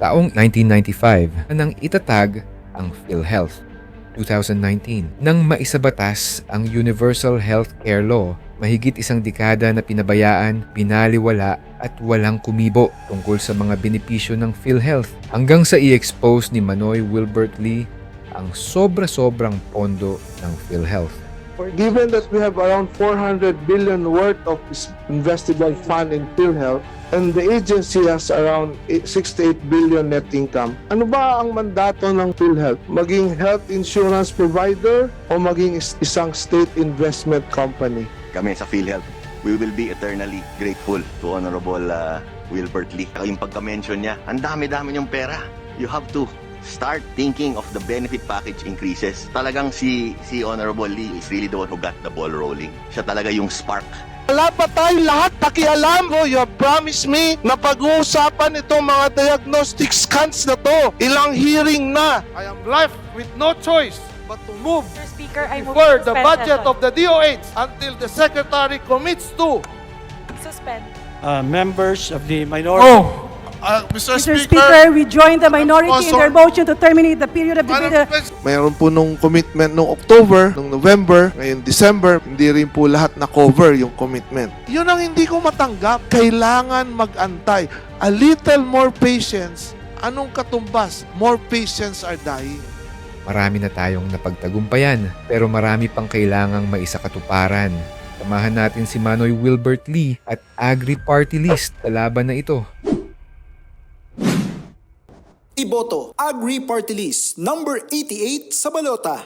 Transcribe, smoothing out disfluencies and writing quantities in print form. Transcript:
Taong 1995 nang itatag ang PhilHealth. 2019 nang maisabatas ang Universal Healthcare Law, mahigit isang dekada na pinabayaan, binaliwala at walang kumibo tungkol sa mga benepisyo ng PhilHealth hanggang sa i-expose ni Manoy Wilbert Lee ang sobra-sobrang pondo ng PhilHealth. Given that we have around 400 billion worth of investable fund in PhilHealth and the agency has around 68 billion net income, ano ba ang mandato ng PhilHealth? Maging health insurance provider o maging isang state investment company? Kami sa PhilHealth, we will be eternally grateful to Honorable Wilbert Lee. Yung pagka-mention niya, ang dami-dami niyong pera. You have to start thinking of the benefit package increases. Talagang si Honorable Lee is really the one who got the ball rolling. Siya talaga yung spark. Wala pa tayong lahat pakialam mo. You have promised me na pag-uusapan itong mga diagnostic scans na to. Ilang hearing na. I am left with no choice but to move Mr. Speaker, I move for to the suspend budget session. of the DOH until the Secretary commits to. Suspend. Members of the minority. Mr. Mr. Speaker, we join the minority in their motion to terminate the period of debate. Mayroon po nung commitment nung October, nung November, ngayon December, hindi rin po lahat na-cover yung commitment. Yun ang hindi ko matanggap. Kailangan mag-antay. A little more patience. Anong katumbas? More patients are dying. Marami na tayong napagtagumpayan pero marami pang kailangang maisakatuparan. Samahan natin si Manoy Wilbert Lee at Agri Party List sa laban na ito. Iboto, Agri Party List, number 88 sa balota.